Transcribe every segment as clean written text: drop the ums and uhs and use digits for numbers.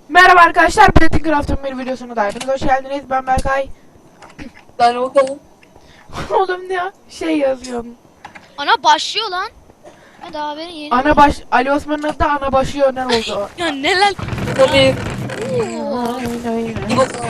Merhaba arkadaşlar, Platin Craft'ın bir videosuna da hepiniz hoş geldiniz. Ben Berkay. Ben Okan'ım. Oğlum ne ya? Şey yazıyorum. Ana başlıyor lan. Ha daha haberin yeni. Ali Osman'ın adı da ana başlıyor ne oldu? Ya ne lan? Tabii. Aynen. Bir bakalım.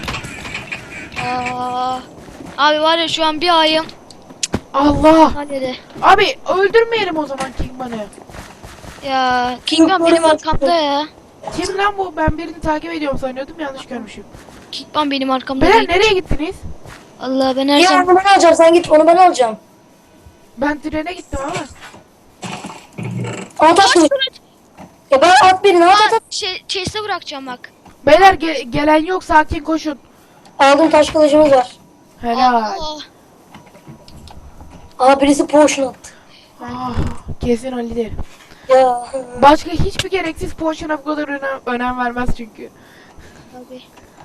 Aa, abi var ya şu an bir ayım. Allah! Hadi de. Abi öldürmeyelim o zaman Kingman'ı. Ya Kingman benim arkamda ya. Kim lan bu? Ben birini takip ediyorum sanıyordum, yanlış görmüşüm. Kingman benim arkamda Beyler değil. nereye gittiniz? Allah ben her Ya zaman... onu ben alacağım, sen git, onu ben alacağım. Ben trene gittim ama. At at mı? Ya ben at birini, at at. Chase'e bırakacağım bak. Beyler gelen yok, sakin koşun. Aldım, taş kılıcımız var. Helal. Allah. Aa, birisi potion attı. Ah, kesin Ali'dir. Ya. Başka hiçbir gereksiz potion'a bu kadar önem vermez çünkü. Abi.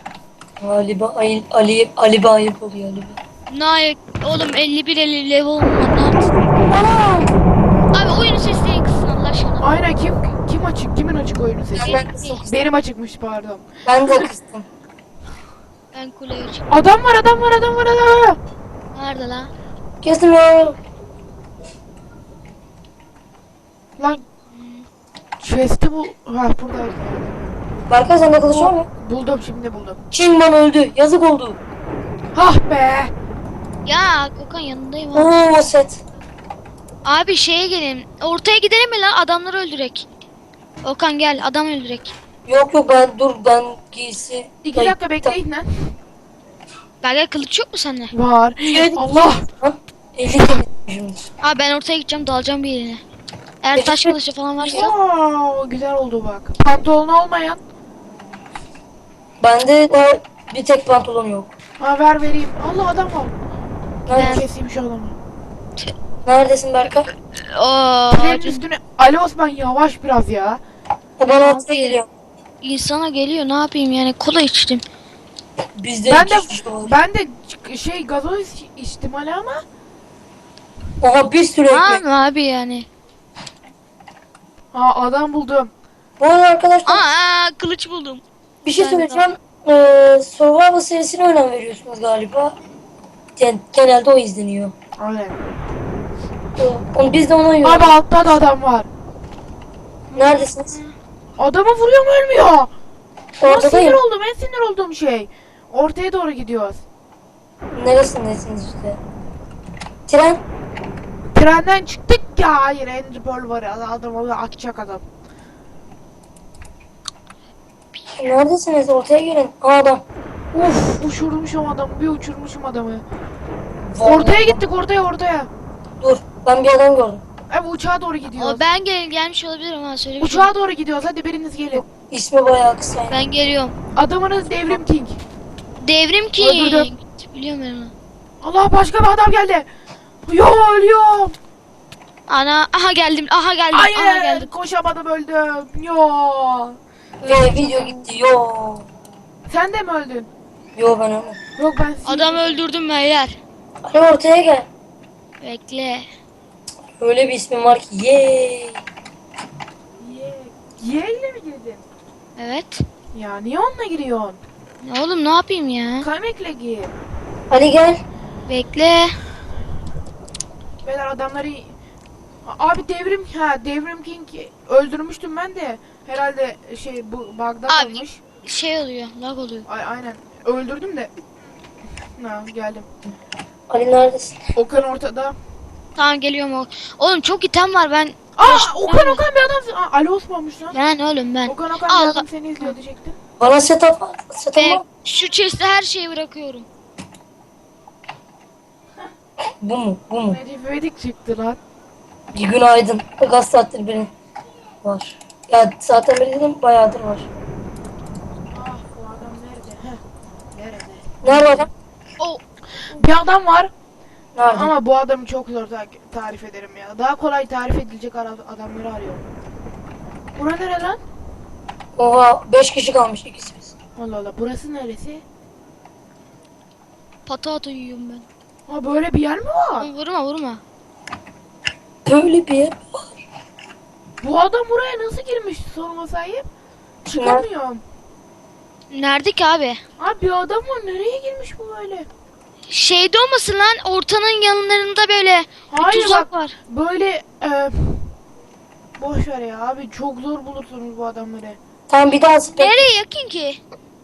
Ali Bey ayıp oluyor Ali Bey. Naik oğlum 51 level olmadı. Ne yaptın? Aa! Abi oyunu sesleyin kısın Allah aşkına. Aynen, kim açık? Kimin açık oyunu sesi? Ben kızım. Benim açıkmış, pardon. Ben de kızdım. Ben kuleye çıktım. Adam var. Nerede lan? Kestim ya. Lan chest'i bu. Ha, burada. Berkay, sende kılıç var mı? Buldum, şimdi buldum. Kingman öldü. Yazık oldu. Hah be. Ya Okan yanındayım abi. Oo, set. Abi şeye gelin. Ortaya gidelim mi lan? Adamları öldürek. Okan gel adam öldürek. Yok ben giysi. 2 dakika bekleyin lan. Belki kılıç yok mu sende? Var. Evet. Allah. Lan 50 şimdi. Abi ben ortaya gideceğim dalacağım bir yerine. Eğer taş kılıcı falan varsa. Wow, güzel oldu bak. Pantolon olmayan. Bende de bir tek pantolon yok. Ha, vereyim. Allah, adam var. Nerede? Keseyim şu adamı. Neredesin Berkay? Ooo. Trenin üstüne. Ali Osman yavaş biraz ya. Ben atla geliyorum. İnsana geliyor ne yapayım yani kola içtim. Bizde Ben de iki kişi var. gazoz içtim hala ama. Oha, bir sürü ekmek. Tamam abi yani. Ha, adam buldum. Bu arada arkadaşlar Kılıç buldum. bir şey Ben söyleyeceğim. Survival serisine önem veriyorsunuz galiba. Yani genelde o izleniyor. Aynen. Biz de ona Abi yiyoruz. altta da adam var. Neredesiniz? Adamı vuruyorum, ölmüyor. Ben Ortadayım. sinir olduğum şey. Ortaya doğru gidiyoruz. Neresindesiniz işte? Tren. Trenden çıktık ya. Hayır, Ender Pearl var. Adam orada akacak adam. Neredesiniz? Ortaya gelin. Aa, adam. Uf, uçurmuşum adamı. Bir uçurmuşum adamı. Vallahi. Ortaya gittik, ortaya. Dur. Ben bir adam gördüm. Evet, uçağa doğru gidiyoruz. O ben gelmiş olabilirim ha söyle bir şey. Uçağa doğru gidiyoruz. Hadi biriniz gelin. İsmi bayağı kısa. Ben geliyorum. Adamınız Devrim King. Devrim ki. Öldürdüm. Biliyorum ben onu. Allah, başka bir adam geldi. Yo, ölüyorum. Ana aha geldim. Aha geldim. Aha Hayır, geldim. koşamadım, öldüm. Yo. Video gitti. Yo. Sen de mi öldün? Yo, ben öyle. Yok, ben Adam öldürdüm beyler. Ali, ortaya gel. Bekle. Öyle bir ismin var ki. Yeee. Y ile mi girdin? Evet. Ya niye onunla giriyorsun? Ne oğlum ne yapayım ya? Kaymekle gir. Ali gel. Bekle. Beyler adamları... Abi Devrim King öldürmüştüm ben de. Herhalde bu bug'da Abi. kalmış. Şey oluyor. Lag oluyor. Aynen. Öldürdüm de. Ha, geldim. Ali neredesin? Okan ortada. Tamam geliyorum o. Oğlum çok item var ben. Okan bir adam. Ali Osman'mış lan. Ben oğlum ben. Okan bir Allah. adam seni izliyor diyecektim. Bana setup var. Setup Ve var. şu chest'e her şeyi bırakıyorum. Bu mu? Bu mu? Necip İvedik çıktı lan. Bir günaydın. Kaç saattir benim var. Ya zaten beri dedim, bayağıdır var. Ah, bu adam nerede? Nerede? Nerede adam? O Bir adam var. Nerede? Ama bu adamı çok zor tarif ederim ya. Daha kolay tarif edilecek adamları arıyorum. Bura nere lan? Oha, 5 kişi kalmış, ikisi biz. Allah Allah, burası neresi? patato yiyorum ben. Ha, böyle bir yer mi var? Vurma. Böyle bir yer var. Bu adam buraya nasıl girmiş sorma sahip? Çıkamıyorum. Nerede ki abi? Abi bir adam var, nereye girmiş bu böyle? Şeyde olmasın lan, ortanın yanlarında böyle bir Hayır tuzak bak, var. böyle boş ver ya abi, çok zor bulursunuz bu adamları. Tamam bir daha spek. Nereye yakın ki?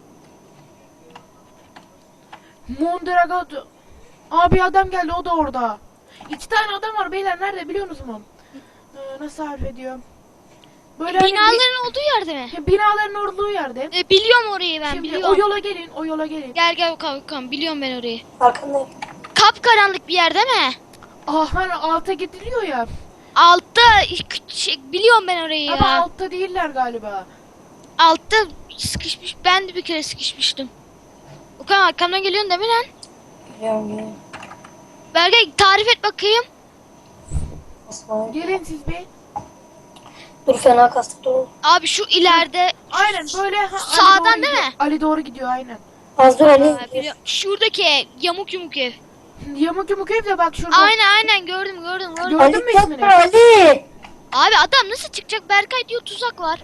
Mondragon. Abi adam geldi, o da orada. 2 tane adam var beyler, nerede biliyor musunuz? Nasıl harf ediyor? Böyle hani Binaların olduğu yerde mi? binaların olduğu yerde. Biliyorum orayı ben, Şimdi biliyorum. o yola gelin, o yola gelin. Gel Okan, biliyorum ben orayı. Arkandayım. Kapkaranlık bir yer değil mi? Hani alta gidiliyor ya. Altta biliyorum ben orayı ya. Ama altta değiller galiba. Altta sıkışmış. Ben de bir kere sıkışmıştım. Okan arkamdan geliyorsun değil mi lan? Biliyorum. Berkay tarif et bakayım. Nasıl? Gelin siz bir. Dur fena kastık dur. Abi şu ileride. Aynen böyle. Ali Sağdan doğru değil gidiyor. mi? Ali doğru gidiyor aynen. Az dur Ali. Şuradaki yamuk yumuk ev. Yamuk yumuk ev de bak şurada. Aynen gördüm. Gördün Ali mü yapma ismini? Ali. Abi adam nasıl çıkacak? Berkay diyor tuzak var.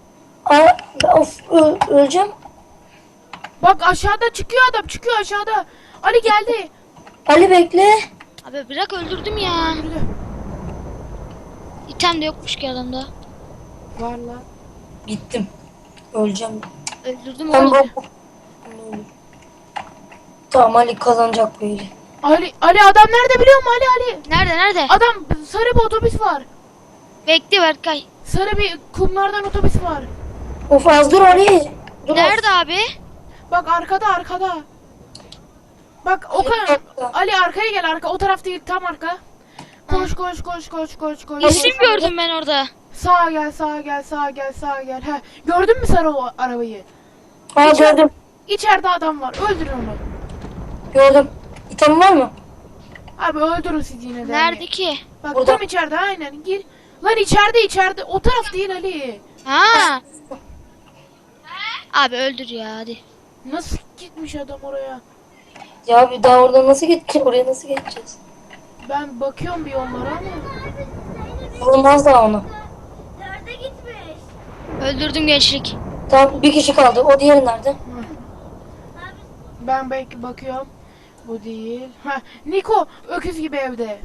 Öleceğim. Bak aşağıda çıkıyor adam, çıkıyor aşağıda. Ali geldi. Ali bekle. Abi bırak öldürdüm ya. Yürü. İtem de yokmuş ki adamda. Var lan. Gittim. Öleceğim. Öldürdüm Ben oğlum. Tamam Ali kazanacak böyle. Ali adam nerede biliyor musun Ali? Nerede? Adam sarı bir otobüs var. Bekle Berkay. Sarı bir kumlardan otobüs var. Of az dur Ali. Dur Nerede abi? Bak arkada. Bak Okan. Bir dakika. Ali arkaya gel, arka, o taraf değil, tam arka. Koş. İsim gördüm ben orada. Sağa gel. He. Gördün mü sarı o arabayı? Aa gördüm. İçeride adam var. Öldürün onu. Gördüm. İtem var mı? Abi öldürün siz yine de. Nerede ki? Bak Burada. tam içeride, aynen. Gir. Lan içeride. O taraf değil Ali. Ha. Abi öldür ya hadi. Nasıl gitmiş adam oraya? Ya bir daha oradan nasıl gideceğiz? Oraya nasıl geçeceğiz? Ben bakıyorum bir onlara ama. Olmaz daha onu. Öldürdüm gençlik. Tamam bir kişi kaldı. O diğeri nerede? Ben belki bakıyorum. Bu değil. Ha, Niko öküz gibi evde.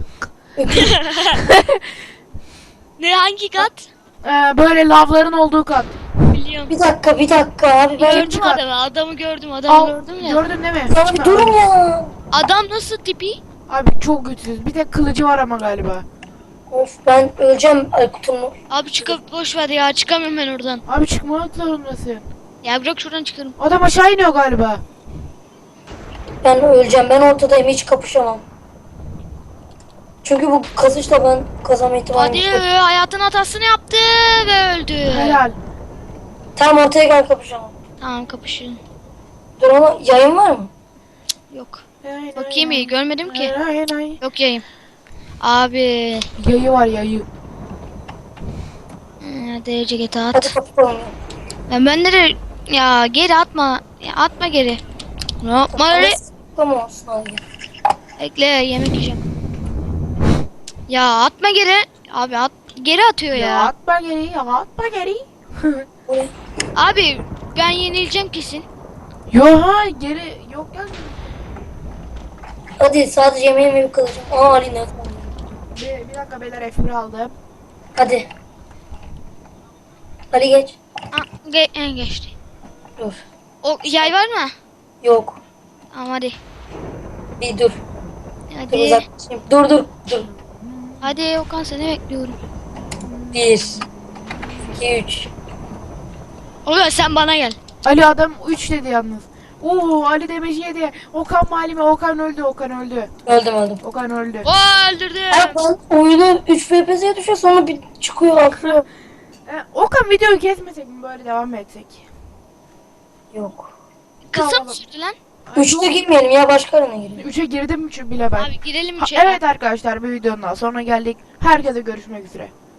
Ne hangi kat? Böyle lavların olduğu kat. Biliyorum. Bir dakika abi ben... Gördüm çıkar. adamı gördüm Al, gördüm ya. gördün değil mi? Ya bir durun ya. Adam nasıl tipi? Abi çok güçsüz. Bir tek kılıcı var ama galiba. Of ben öleceğim Aykut'umu. Abi çıkıp boş ver ya, çıkamıyorum ben oradan. Abi çıkmak zorundasın. Ya bırak şuradan çıkarım. Adam aşağı iniyor galiba. Ben öleceğim. Ben ortadayım. Hiç kapışamam. Çünkü bu kazışla ben kazanma ihtimalim Hadi yok. hayatın hatasını yaptı ve öldü. Helal. Tamam ortaya gel kapışalım. Tamam kapışın. Dur ama yayın var mı? Yok. Bakayım iyi görmedim ki. Hayır. Yok yayım. Abi. Yayı var, yayı. Derece git Hadi at. kapışalım ya. Ben nereye? Ya geri atma. Ya atma geri. Ne yapma öyle? Tamam olsun hadi. Bekle yemek yiyeceğim. Ya atma geri. Abi at. Geri atıyor Ya ya. atma geri. Buraya. Abi ben yenileceğim kesin. Geri yok ya. Hadi sadece yemeğimi bir kılacağım. Aa Ali ne? Bir dakika beyler, F1 aldım. Hadi. Ali geç. Geçti. Dur. O yay var mı? Yok. Tamam hadi. Bir dur. Dur Hadi. uzaklaşayım. Dur. Hadi Okan seni bekliyorum. 1 2 3 Okan sen bana gel. Ali adam 3 dedi yalnız. Ali demiş 7. Okan malime, Okan öldü. Öldüm. Okan öldü. Oo öldürdü. Ay ben oyunu 3 FPS'ye düşüyor sonra bir çıkıyor atlıyor. Okan videoyu kesmesek mi, böyle devam mı etsek? Yok. Kısa Tamam. mı sürdü lan? 3'te girmeyelim ya başka arana girelim. 3'e girdim bile ben. Abi girelim Evet arkadaşlar, bir videonun daha sonra geldik. Herkese görüşmek üzere.